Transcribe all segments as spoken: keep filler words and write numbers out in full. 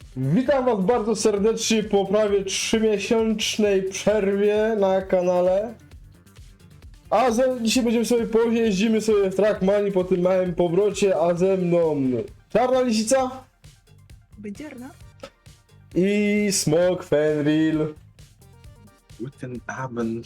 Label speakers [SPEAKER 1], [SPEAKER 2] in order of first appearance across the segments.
[SPEAKER 1] Witam was bardzo serdecznie po prawie trzymiesięcznej przerwie na kanale. A ze, dzisiaj będziemy sobie pojeździmy sobie w Trackmanii po tym małym powrocie, a ze mną Czarna Lisica
[SPEAKER 2] Będzierna?
[SPEAKER 1] i Smok Fenrir.
[SPEAKER 3] Guten Abend.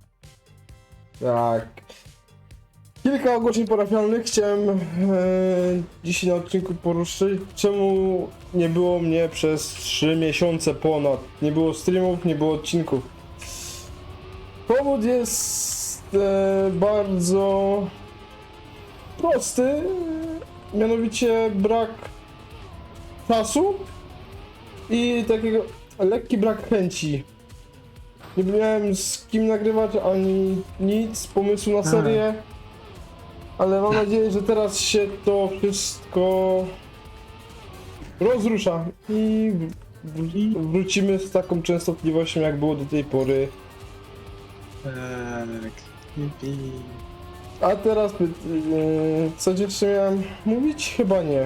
[SPEAKER 1] Tak. Kilka ogłoszeń parafialnych chciałem e, dzisiaj na odcinku poruszyć. Czemu nie było mnie przez trzy miesiące ponad? Nie było streamów, nie było odcinków. Powód jest e, bardzo prosty, mianowicie brak czasu i takiego lekki brak chęci. Nie miałem z kim nagrywać ani nic, pomysłu na serię, ale mam nadzieję, że teraz się to wszystko rozrusza i wr- wrócimy z taką częstotliwością, jak było do tej pory.
[SPEAKER 3] Tak. Yippee.
[SPEAKER 1] A teraz py- yy, co jeszcze miałem mówić? Chyba nie.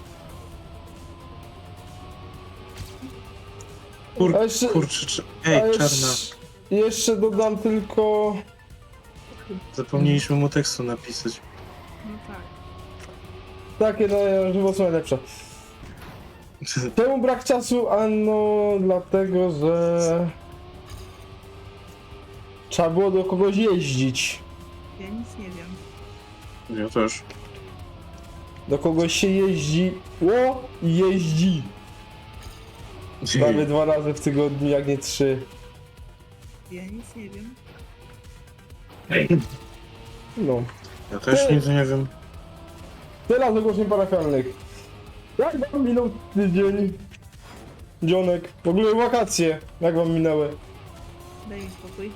[SPEAKER 3] Kur,
[SPEAKER 1] A jeszcze-
[SPEAKER 3] kurczę, czy...
[SPEAKER 1] A
[SPEAKER 3] Ej,
[SPEAKER 1] jeszcze,
[SPEAKER 3] Czarna,
[SPEAKER 1] jeszcze dodam tylko...
[SPEAKER 3] zapomnieliśmy mu tekstu napisać.
[SPEAKER 2] No tak.
[SPEAKER 1] Takie na żywo są najlepsze. Czemu brak czasu? Ano dlatego, że trzeba było do kogoś jeździć.
[SPEAKER 2] Ja nic nie wiem.
[SPEAKER 3] Ja też.
[SPEAKER 1] Do kogoś się jeździ. Ło! Jeździ. Prawie dwa razy w tygodniu, jak nie trzy.
[SPEAKER 2] Ja nic nie wiem.
[SPEAKER 1] No.
[SPEAKER 3] Ja też nic nie wiem.
[SPEAKER 1] Teraz ogłoszeń parafialnych. Jak wam minął tydzień? Dzionek. W ogóle wakacje. Jak wam minęły?
[SPEAKER 2] Daj mi spokój.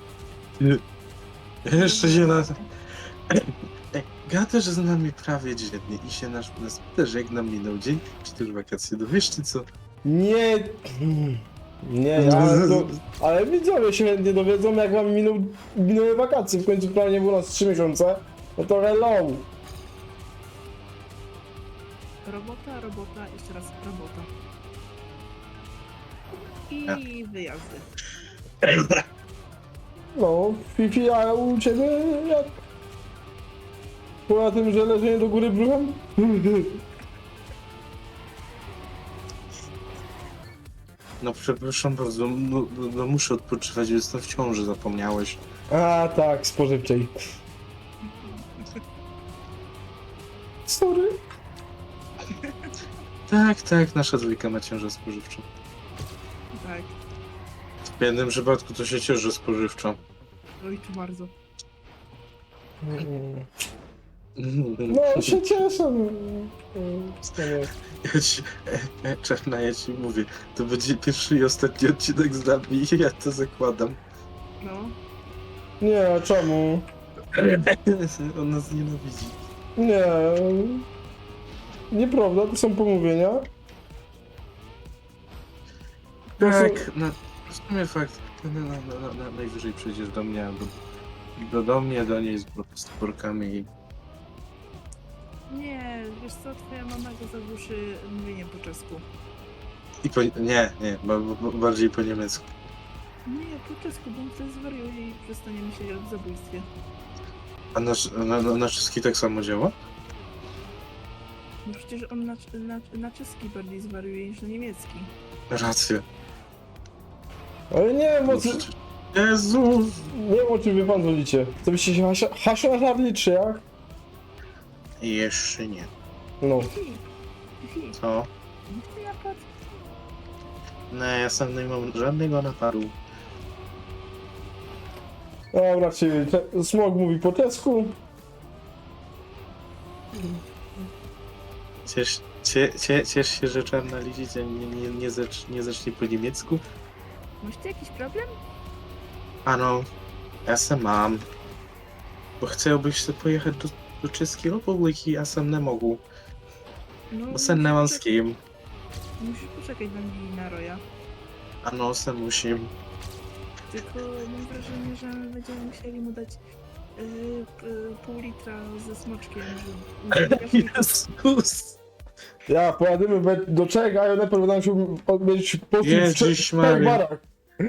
[SPEAKER 3] Jeszcze się nas... Ej, gadasz z nami prawie dziennie i się nas, nas pytasz, jak nam minął dzień, czy też wakacje. Dowiesz co?
[SPEAKER 1] Nie. Nie, ale, to, ale widzowie się chętnie dowiedzą, jak wam minął, minęły wakacje. W końcu prawie nie było nas trzy miesiące. No to hello.
[SPEAKER 2] Robota, robota, jeszcze raz robota. I wyjazdy.
[SPEAKER 1] No, Fifi, a u ciebie jak? Poza tym, że leżenie do góry brzuchem?
[SPEAKER 3] No przepraszam bardzo, no, no, no muszę odpoczywać, jestem w ciąży, zapomniałeś.
[SPEAKER 1] A tak, spożywczej. Sorry.
[SPEAKER 3] Tak, tak, nasza dwójka ma ciążę spożywczą.
[SPEAKER 2] Tak.
[SPEAKER 3] W jednym przypadku to się cieszy spożywczą.
[SPEAKER 2] Oj, tu bardzo.
[SPEAKER 1] No, się cieszę. Mm, wspaniale.
[SPEAKER 3] Ja ci, e, e, Czarna, ja ci mówię, to będzie pierwszy i ostatni odcinek z nami i ja to zakładam.
[SPEAKER 2] No.
[SPEAKER 1] Nie, a czemu?
[SPEAKER 3] On nas nienawidzi.
[SPEAKER 1] Nie. Nieprawda, to są pomówienia. To są-
[SPEAKER 3] Tak, na, w sumie fakt, na, na, na, na, najwyżej przejdziesz do mnie, albo do, do mnie, do niej z stworkami i...
[SPEAKER 2] Nie, wiesz co, twoja mama go zagłuszy mówieniem po czesku.
[SPEAKER 3] i po, nie, nie, ba, ba, bardziej po niemiecku.
[SPEAKER 2] Nie, po czesku, bo on wtedy zwariuje i przestanie myśleć o zabójstwie.
[SPEAKER 3] A na, na, na, na czeski tak samo działa?
[SPEAKER 2] No przecież on na, na, na czeski bardziej zwariuje niż na niemiecki.
[SPEAKER 3] Rację.
[SPEAKER 1] Ale nie wiem,
[SPEAKER 3] No
[SPEAKER 1] o co,
[SPEAKER 3] przecież... Jezus!
[SPEAKER 1] nie wiem, o czym wy pan dzwonicie. Co byście się Hasia, Hasia żarli, czy jak?
[SPEAKER 3] Jeszcze nie.
[SPEAKER 1] No.
[SPEAKER 2] Fifi, Fifi,
[SPEAKER 3] Co?
[SPEAKER 2] nikt nie napadł.
[SPEAKER 3] No, ja sam nie mam żadnego napadu.
[SPEAKER 1] Dobra, czyli te- Smok mówi po czesku.
[SPEAKER 3] Ciesz, cie, cie, ciesz się, że Czarna Lisica nie, nie, nie, zacz, nie zacznie po niemiecku?
[SPEAKER 2] Masz ty jakiś problem?
[SPEAKER 3] Ano, ja sam mam. Bo chciałbyś sobie pojechać do, do Czeskiej Republiki, a sam nie mogł.
[SPEAKER 2] No,
[SPEAKER 3] Bo sam nie mam z kim.
[SPEAKER 2] Musisz poczekać na mnie i na Roya.
[SPEAKER 3] Ano, sam musim.
[SPEAKER 2] Tylko mam wrażenie, że będziemy musieli mu dać yy, yy, pół litra ze smoczkiem, żeby...
[SPEAKER 3] Jezus!
[SPEAKER 1] Ja, pojadymy we- do Czech, a ja najpierw będę musiał odwiedzić postój w
[SPEAKER 3] Jezus
[SPEAKER 1] trzech
[SPEAKER 3] Maria.
[SPEAKER 1] barach.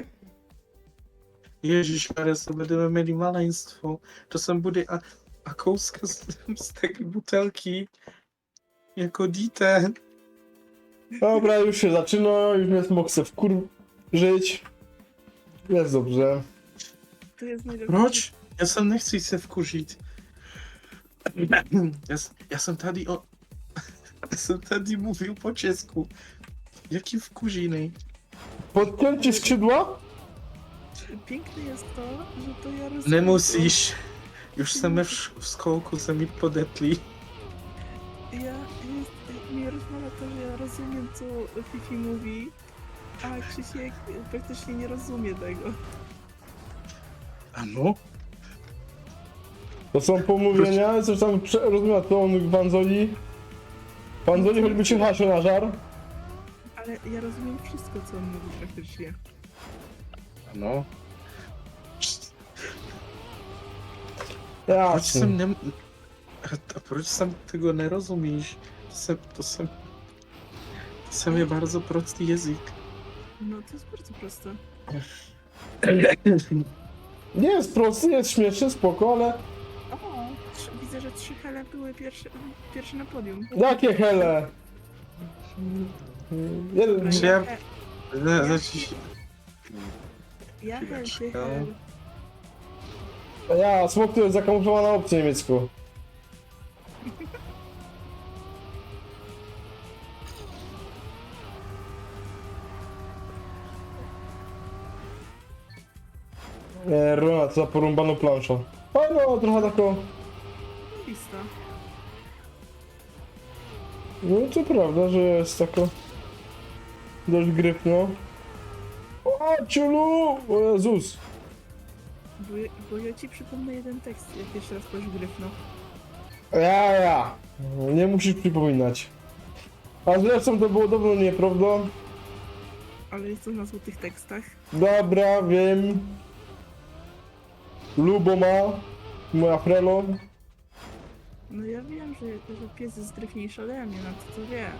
[SPEAKER 3] Ježiš Maria, to będziemy mieli maleństwo. Czasem będzie a, a kouska z, z takiej butelki jako dite.
[SPEAKER 1] Dobra, już się zaczyna, już mnie smok chce wkur... żyć. Jest dobrze.
[SPEAKER 2] To jest najlepsze.
[SPEAKER 3] Proč? Já jsem nechci se vkuřit. Já, s- já jsem tady o... Já jsem tady mówił po česku. Jaki wkurziny?
[SPEAKER 1] Podcięcie skrzydła?
[SPEAKER 2] Piękne jest to, że to ja rozumiem.
[SPEAKER 3] Nemusíš. Już jsme v, š- v skolku se mi podetli.
[SPEAKER 2] Ja, jest, mnie rozmawia to, że ja rozumiem, co Fifi mówi, a Krzysiek praktycznie nie rozumie tego.
[SPEAKER 3] Ano?
[SPEAKER 1] To są pomówienia, coś tam prze- rozumiem, to on Wanzoli. Wanzoli choćby się hasie na żar.
[SPEAKER 2] Ale ja rozumiem wszystko, co on mówi praktycznie.
[SPEAKER 3] Ano.
[SPEAKER 1] Ja,
[SPEAKER 3] Proč jsem nem... A proč jsem tego nerozumíš? To jsem... To jsem... To jsem je bardzo prostý jazyk.
[SPEAKER 2] No to jest bardzo proste.
[SPEAKER 1] nie jest prosty, jest śmieszny, spoko, ale...
[SPEAKER 2] O, trzy, widzę, że trzy hele były pierwsze, pierwsze na podium.
[SPEAKER 1] Jakie hele? Jeden...
[SPEAKER 3] Czy ja-
[SPEAKER 2] Ja,
[SPEAKER 3] Za- Zacznij się...
[SPEAKER 2] ja hel, ty
[SPEAKER 3] Chwileczkę.
[SPEAKER 2] hel.
[SPEAKER 1] Ja, smok to jest zakamuflowana opcja niemiecku. Nie, Rona, to za porąbaną planszą. A no, trochę taką...
[SPEAKER 2] Lista.
[SPEAKER 1] No to prawda, że jest taka... Dość grypno. O, ciulu! O Jezus!
[SPEAKER 2] Bo, ja- bo ja ci przypomnę jeden tekst, jak jeszcze raz powiesz gryfno.
[SPEAKER 1] Ja, ja. Nie musisz przypominać. A zresztą to było dawno nieprawda.
[SPEAKER 2] Ale jest to na złotych tekstach.
[SPEAKER 1] Dobra, wiem. Lubo ma. Moja frelo.
[SPEAKER 2] No ja wiem, że, że pies jest gryfniejszy ode mnie, no to to wiem.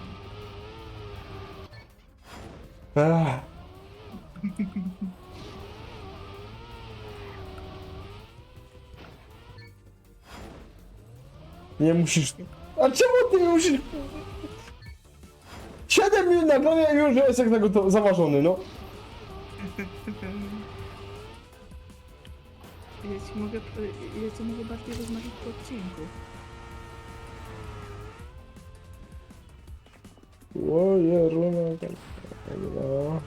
[SPEAKER 1] Ech. Nie musisz... A czemu ty nie musisz... siedem minut nagrania i już jest jak tego to zaważony, no.
[SPEAKER 2] Ja ci mogę, ja ci mogę bardziej rozmarzyć po odcinku.
[SPEAKER 1] Oje, runa... No.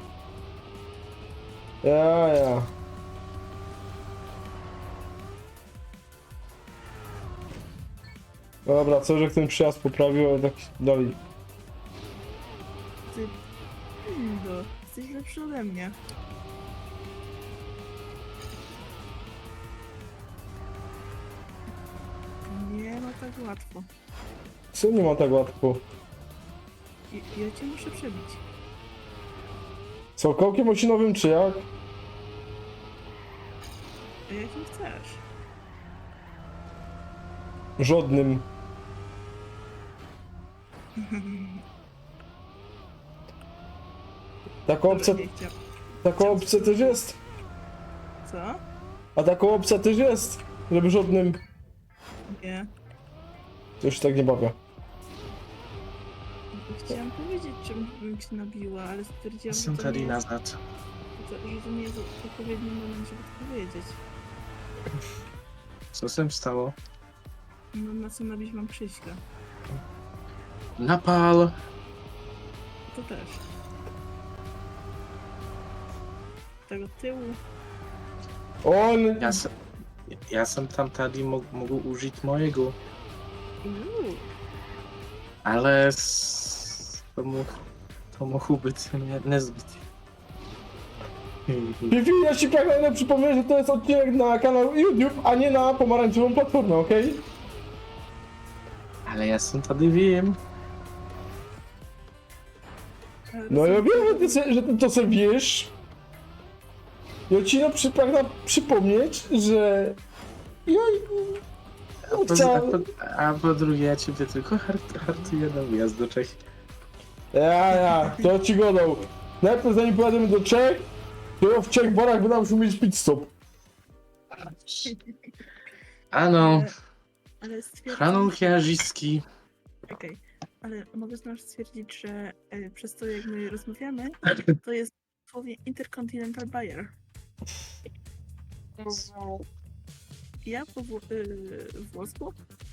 [SPEAKER 1] Ja, ja. Dobra, co, że ten przyjazd poprawił, ale tak dalej.
[SPEAKER 2] Ty, Lindo, jesteś lepszy ode mnie. Nie ma tak łatwo.
[SPEAKER 1] Co nie ma tak łatwo?
[SPEAKER 2] I, ja cię muszę przebić.
[SPEAKER 1] Co, kołkiem osinowym czy jak?
[SPEAKER 2] A jakim chcesz?
[SPEAKER 1] Żadnym. Taka opcja,
[SPEAKER 2] Dobra, nie chciał.
[SPEAKER 1] taka opcja też jest.
[SPEAKER 2] Co?
[SPEAKER 1] A taka opcja też jest, żeby żadnym.
[SPEAKER 2] Nie.
[SPEAKER 1] To już się tak nie bawię.
[SPEAKER 2] Chciałam powiedzieć, czym bym się nabiła, ale stwierdziłam, że
[SPEAKER 3] Jestem
[SPEAKER 2] to,
[SPEAKER 3] tady
[SPEAKER 2] nie jest,
[SPEAKER 3] nazad.
[SPEAKER 2] to, że to nie jest odpowiedni moment, żeby to powiedzieć.
[SPEAKER 3] Co się stało?
[SPEAKER 2] No na co nabić mam Krzyśka?
[SPEAKER 3] Napal!
[SPEAKER 2] To też. Tego tyłu.
[SPEAKER 1] On.
[SPEAKER 3] Ja, se, ja jsem tam tady mógł, mógł użyć mojego,
[SPEAKER 2] Uuu,
[SPEAKER 3] ale s- to mógł, to mógł być nie, niezbyt.
[SPEAKER 1] Fifi, ja ci pragnę przypomnieć, że to jest odcinek na kanał YouTube, a nie na pomarańczową platformę, okej?
[SPEAKER 3] Ale ja jsem tady wiem.
[SPEAKER 2] ale
[SPEAKER 1] No ja
[SPEAKER 2] rozumiem,
[SPEAKER 1] wiem, że ty, se- że ty to sobie wiesz. Ja ci no przy, pragnę przypomnieć, że... Ja...
[SPEAKER 3] A po, a,
[SPEAKER 1] Chciałem...
[SPEAKER 3] po, a po drugie, ja ciebie tylko hart, hartuję na wyjazd do Czech.
[SPEAKER 1] Ja, ja, to ci godą. Najpierw zanim pojadziemy do Czech, to w Czech barach będę musiał mieć pit stop.
[SPEAKER 3] Ano,
[SPEAKER 2] Ale, ale stwierdzam...
[SPEAKER 3] Hanun Jarzyski.
[SPEAKER 2] Okej, ale mogę znasz stwierdzić, że e, przez to jak my rozmawiamy, to jest słowie Intercontinental Buyer. Ja po wło- y, włosku,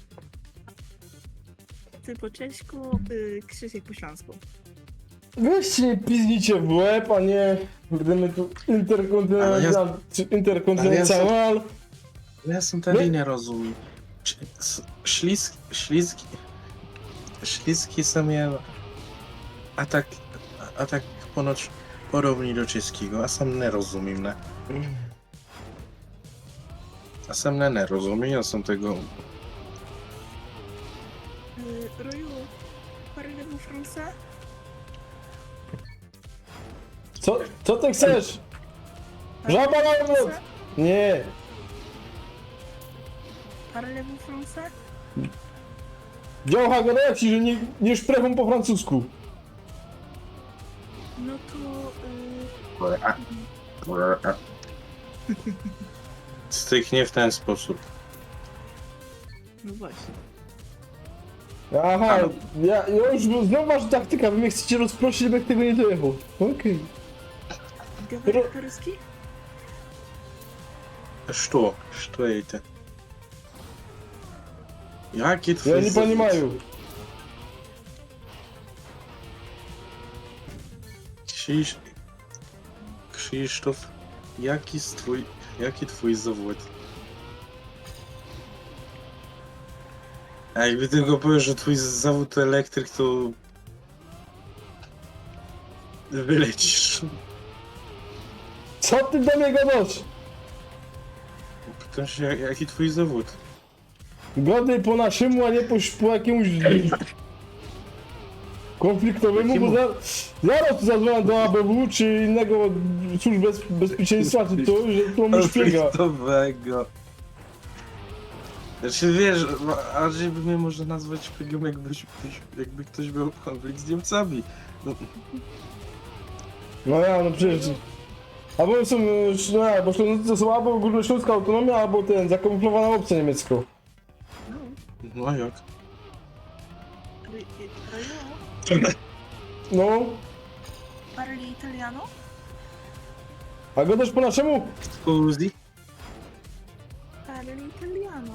[SPEAKER 2] ty po cześćku, y, Krzysiek po śląsku.
[SPEAKER 1] Weźcie nie pizdnicie w łeb, a nie będziemy tu interkontynental, czy interkontynental.
[SPEAKER 3] Ja sam tady nie rozumiem. Č- s- Śliski, śliski, śliski są ja, a tak, a tak ponoć podobni do czeskiego, a sam nie rozumiem, ne? A sam nie, nie rozumiem, ja sam tego...
[SPEAKER 2] Y, Roju, parlez-vous français?
[SPEAKER 1] Co, co ty chcesz? Żaba na odwrót! Nie.
[SPEAKER 2] Parlez-vous français?
[SPEAKER 1] Działcha gadała ci, że nie, nie szprechą po francusku.
[SPEAKER 2] No to... Y,
[SPEAKER 3] Styknie w ten sposób.
[SPEAKER 2] no właśnie.
[SPEAKER 1] Aha, ja, ja już znowu masz taktyka, wy mnie chcecie rozproszyć, żebym tego nie dojechał. Okej.
[SPEAKER 2] Говорит по-русски?
[SPEAKER 3] Что? Что это? Jaki twój
[SPEAKER 1] Ja nie
[SPEAKER 3] zawód?
[SPEAKER 1] понимаю.
[SPEAKER 3] Krzyż... Krzysztof, jaki jest twój... Jaki twój zawód? A jakby tylko powiesz, że twój zawód to elektryk, to... Wylecisz.
[SPEAKER 1] Co ty do mnie gadasz?
[SPEAKER 3] Pytam się, jak- jaki twój zawód?
[SPEAKER 1] Godny po naszemu, a nie po, po jakiemuś konfliktowemu, bo za, zaraz tu zadzwonię do A B W czy innego służb bez, bezpieczeństwa, czy to, że to mnie szpiega.
[SPEAKER 3] Konfliktowego. Znaczy wiesz, a żeby mnie może nazwać szpiegiem, jakbyś, jakby ktoś miał konflikt z Niemcami. No,
[SPEAKER 1] No ja, no przecież... Albo są, no ja, bo Ślązacy to są albo Górnośląska autonomia, albo ten, zakamuflowana opcja niemiecka.
[SPEAKER 2] No.
[SPEAKER 3] no a jak?
[SPEAKER 2] Ry- Roju,
[SPEAKER 1] No,
[SPEAKER 2] parli italiano?
[SPEAKER 1] a gadasz po naszemu?
[SPEAKER 3] Scusi?
[SPEAKER 2] Parli italiano.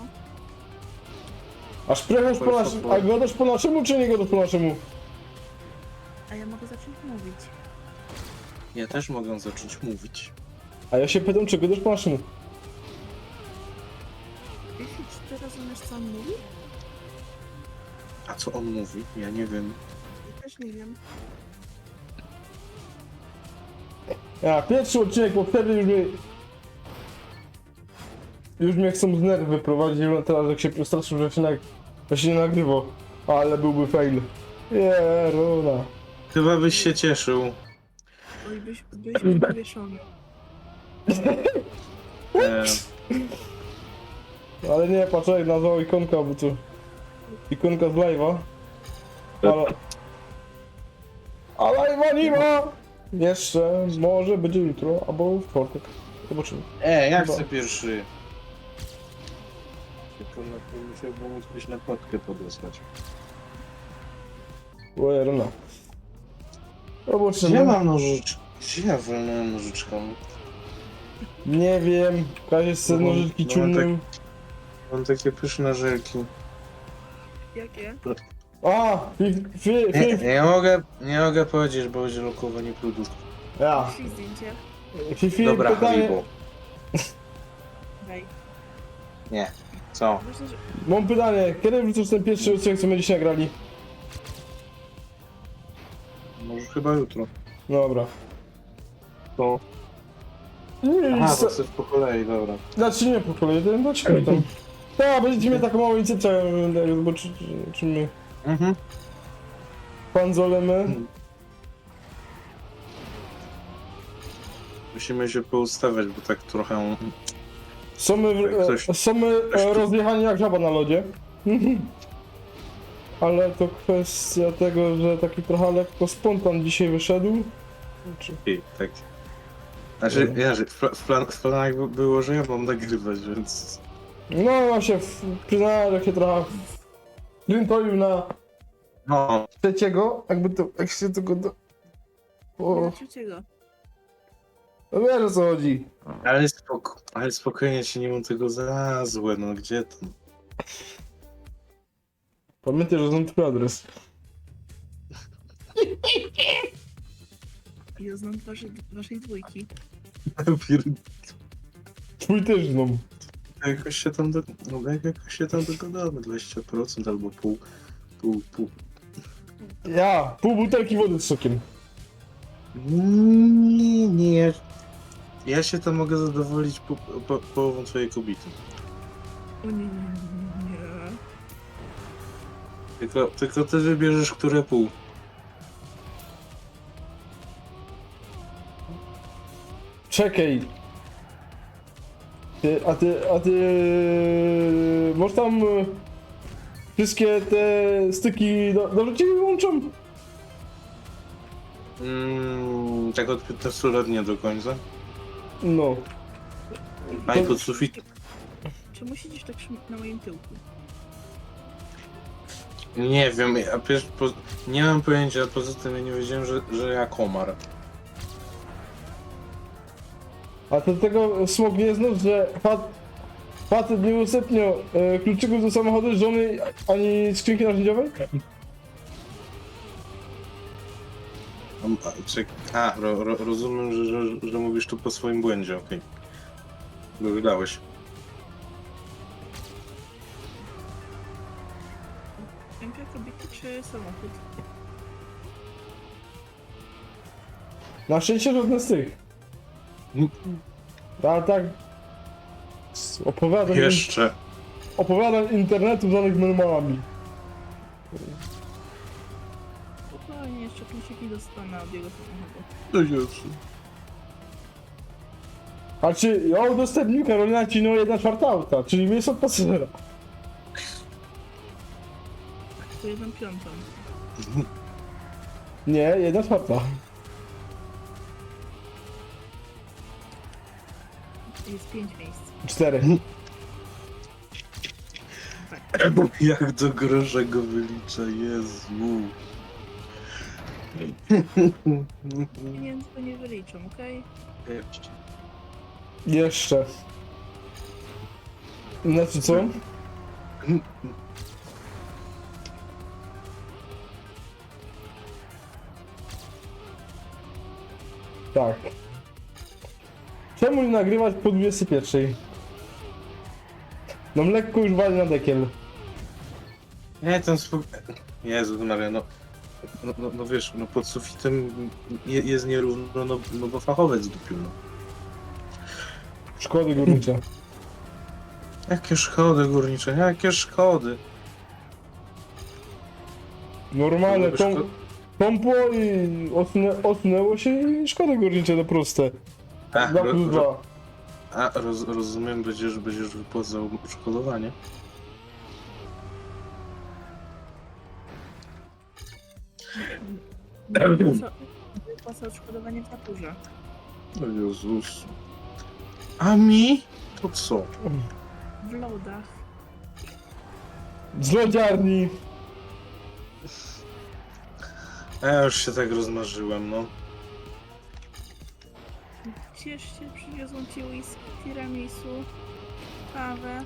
[SPEAKER 1] A szprechasz po naszemu, a gadasz po naszemu, czy nie gadasz po naszemu?
[SPEAKER 2] A ja mogę zacząć mówić.
[SPEAKER 3] Ja też mogę zacząć mówić.
[SPEAKER 1] A ja się pytam, czy gadasz po naszemu?
[SPEAKER 2] Jeśli czy ty rozumiesz, co on mówi?
[SPEAKER 3] A co on mówi? Ja nie wiem.
[SPEAKER 2] Ja też nie wiem.
[SPEAKER 1] Ja, pierwszy odcinek, bo wtedy już mnie... Już mnie chcą z nerwy wyprowadzić, a teraz jak się przestraszył, że się, nag... że się nie nagrywa. Ale byłby fail. Jeruna.
[SPEAKER 3] Chyba byś się cieszył.
[SPEAKER 2] Oj, byś, byś powieszony.
[SPEAKER 3] E,
[SPEAKER 1] Ale nie, patrzaj, nazwał ikonka, bo to... Ikonka z live'a. Ale... A live'a nie ma! Jeszcze, może będzie jutro, albo w czwartek. Zobaczymy.
[SPEAKER 3] e ja
[SPEAKER 1] Chyba.
[SPEAKER 3] chcę pierwszy. Tylko na to musiałbym coś na kotkę podesłać.
[SPEAKER 1] O Jeruna.
[SPEAKER 3] Gdzie
[SPEAKER 1] Zobaczymy.
[SPEAKER 3] mam nożyczkę? Gdzie ja wolnałem nożyczką?
[SPEAKER 1] Nie wiem, Kazie z
[SPEAKER 3] No,
[SPEAKER 1] nożyczki
[SPEAKER 3] no,
[SPEAKER 1] ciumnym.
[SPEAKER 3] Mam takie pyszne żelki.
[SPEAKER 2] Jakie?
[SPEAKER 1] A, fi, fi,
[SPEAKER 3] Nie,
[SPEAKER 1] fi,
[SPEAKER 3] nie mogę, nie mogę powiedzieć, bo będzie lokowanie produktów.
[SPEAKER 1] ja.
[SPEAKER 2] Przyjdź zdjęcie.
[SPEAKER 1] Fi, fi,
[SPEAKER 3] Dobra,
[SPEAKER 1] pytanie,
[SPEAKER 3] Haribo.
[SPEAKER 2] Daj.
[SPEAKER 3] Nie. Co?
[SPEAKER 2] Myślę, że...
[SPEAKER 1] mam pytanie, kiedy wrzucasz ten pierwszy odcinek, co my dzisiaj grali?
[SPEAKER 3] Może chyba jutro.
[SPEAKER 1] Dobra.
[SPEAKER 3] To.
[SPEAKER 1] Nie,
[SPEAKER 3] Aha,
[SPEAKER 1] nic,
[SPEAKER 3] to chcesz po kolei, dobra.
[SPEAKER 1] znaczy nie po kolei, to dlaczego tam? Tak, będziecie mieli taką małą inicjatywę, jak zobaczyć, czy my
[SPEAKER 3] Mhm.
[SPEAKER 1] panzolemy.
[SPEAKER 3] Musimy się poustawiać, bo tak trochę...
[SPEAKER 1] Są my,
[SPEAKER 3] Ktoś-
[SPEAKER 1] e, są my e, rozjechani jak żaba na lodzie. Ale to kwestia tego, że taki trochę lekko spontan dzisiaj wyszedł. Czy-
[SPEAKER 3] I, tak. Znaczy, ja, że w, pla- w, plan, w planach by- było, że ja mam nagrywać, więc...
[SPEAKER 1] No właśnie, w- przyznałem, że się trochę wkrętoił na
[SPEAKER 3] No,
[SPEAKER 1] trzeciego, jakby to, jak się tego do... O,
[SPEAKER 2] Do trzeciego.
[SPEAKER 1] no wiesz o co chodzi.
[SPEAKER 3] ale, spoko, ale spokojnie się nie mam tego za złe, no gdzie to?
[SPEAKER 1] Pamiętaj, że znam twój adres.
[SPEAKER 2] Ja znam wasze, waszej dwójki.
[SPEAKER 1] Twój też znam.
[SPEAKER 3] Jakoś się tam, do, no, jakoś się tam dogadamy, dwadzieścia procent albo pół, pół, pół.
[SPEAKER 1] Ja, pół butelki wody z sokiem.
[SPEAKER 3] Nie, nie. Ja się tam mogę zadowolić po, po, połową twojej kobiety.
[SPEAKER 2] O nie, nie, nie, nie.
[SPEAKER 3] Tylko, tylko ty wybierzesz, które pół.
[SPEAKER 1] Czekaj. Ty, a ty, a ty... Może tam... e, Wszystkie te styki do, dobrze ci wyłączą?
[SPEAKER 3] Mm, tak od piętnastu lat nie do końca.
[SPEAKER 1] No.
[SPEAKER 3] A i pod sufit.
[SPEAKER 2] Czemu siedzisz tak szm- na moim tyłku?
[SPEAKER 3] Nie wiem, a wiesz, po, nie mam pojęcia, a poza tym ja nie wiedziałem, że, że ja komar.
[SPEAKER 1] A to tego smog nie znów, że fat, facet nie udostępniał e, kluczyków do samochodu żony ani skrzynki narzędziowej?
[SPEAKER 3] A, a, czek, a ro, ro, rozumiem, że, że, że mówisz tu po swoim błędzie, okej. Bo wydałeś.
[SPEAKER 2] Ręka kobiety czy samochód?
[SPEAKER 1] Na szczęście żadne z tych. A tak... z Opowiadam,
[SPEAKER 3] Jeszcze.
[SPEAKER 1] opowiadam internetu zwanych normalami.
[SPEAKER 2] Spokojnie, jeszcze kluczyki dostanę od jego samochodu.
[SPEAKER 3] No Jezu.
[SPEAKER 1] A czy ja udostępnił Karolina ci no jedna czwarta auta, czyli miejsce od pasażera.
[SPEAKER 2] To jedną piątą.
[SPEAKER 1] Nie, jedna czwarta.
[SPEAKER 2] Jest pięć miejsc.
[SPEAKER 1] Cztery.
[SPEAKER 3] Jak do grosza go wylicza, Jezu.
[SPEAKER 2] Pieniędzy to nie wyliczą, okej?
[SPEAKER 1] Jeszcze. Znaczy co? Tak. Czemu nie nagrywać po dwudziestej pierwszej? No lekko już wali na dekiel.
[SPEAKER 3] Nie, ten spok... Jezu Maria, no... No, no, no wiesz, no pod sufitem je, jest nierówno, no, no bo fachowiec dupił, no.
[SPEAKER 1] Szkody górnicze.
[SPEAKER 3] Jakie szkody górnicze, jakie szkody.
[SPEAKER 1] Normalne,
[SPEAKER 3] Byłoby
[SPEAKER 1] tą,
[SPEAKER 3] szko-
[SPEAKER 1] pompło i odsunę, odsunęło się i szkody górnicze to proste.
[SPEAKER 3] A,
[SPEAKER 1] Dwa
[SPEAKER 3] ro,
[SPEAKER 1] plus
[SPEAKER 3] ro,
[SPEAKER 1] dwa.
[SPEAKER 3] a roz, rozumiem, będziesz, będziesz wypłacał odszkodowanie.
[SPEAKER 2] Wypłaca- Wypłaca odszkodowanie w naturze.
[SPEAKER 3] O Jezus. A mi? To co?
[SPEAKER 2] W lodach.
[SPEAKER 1] Z lodziarni.
[SPEAKER 3] A ja już się tak rozmarzyłem, no.
[SPEAKER 2] Ciesz się, przywiozą ci whisky, tiramisu, kawę.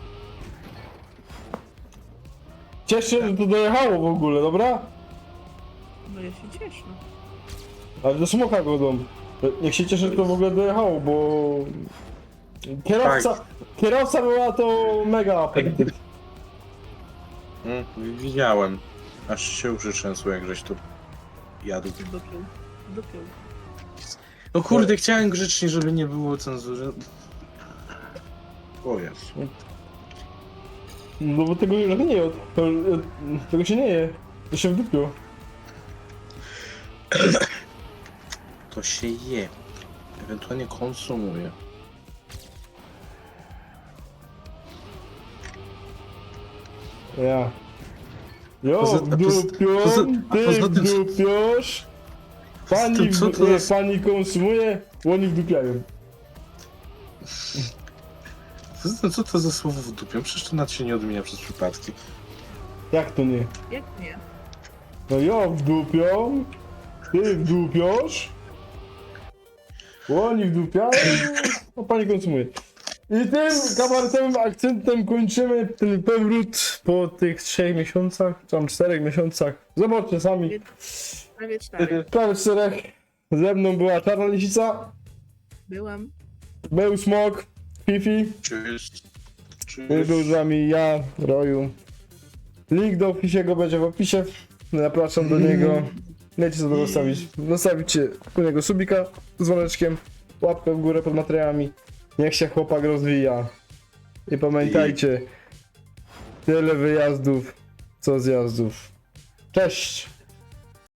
[SPEAKER 1] Cieszę się, że to dojechało w ogóle, dobra?
[SPEAKER 2] No ja się cieszę.
[SPEAKER 1] Ale do smoka godą. Niech się cieszę, że to w ogóle dojechało, bo... Kierowca, kierowca była to mega apetyt.
[SPEAKER 3] Mm, widziałem. Aż się uszy trzęsły, jak żeś tu jadł.
[SPEAKER 2] Dopiął. Dopiął.
[SPEAKER 3] No kurde, chciałem grzecznie, żeby nie było cenzury. O Jezu.
[SPEAKER 1] No bo tego już nie je, to, tego się nie je. To się wdupiło.
[SPEAKER 3] To się je. Ewentualnie konsumuje.
[SPEAKER 1] Ja. Jo,
[SPEAKER 3] Poza- a poza-
[SPEAKER 1] wdupią,
[SPEAKER 3] poza- a
[SPEAKER 1] ty
[SPEAKER 3] poza tym, co-
[SPEAKER 1] wdupiasz. Pani,
[SPEAKER 3] tym, co
[SPEAKER 1] w-
[SPEAKER 3] to
[SPEAKER 1] jak
[SPEAKER 3] jest-
[SPEAKER 1] pani konsumuje, oni wdupiają.
[SPEAKER 3] Co- Co to za słowo w dupie? Przecież to nawet się nie odmienia przez przypadki.
[SPEAKER 1] Jak to nie?
[SPEAKER 2] Jak nie?
[SPEAKER 1] No jo, wdupią, ty wdupiasz. Oni wdupiają, a pani konsumuje. I tym kabaretowym akcentem kończymy ten powrót po tych trzech miesiącach, czy tam czterech miesiącach. Zobaczcie sami.
[SPEAKER 2] Prawie cztery.
[SPEAKER 1] Prawie czterech. Ze mną była Czarna Lisica,
[SPEAKER 2] Byłam.
[SPEAKER 1] był Smok, Fifi,
[SPEAKER 3] Cześć.
[SPEAKER 1] i był z wami ja, Roju. Link do Fisiego będzie w opisie. Zapraszam do niego. Wiecie co to zostawić. Zostawicie u niego subika z dzwoneczkiem, łapkę w górę pod materiałami. Niech się chłopak rozwija. I pamiętajcie, tyle wyjazdów, co zjazdów. Cześć!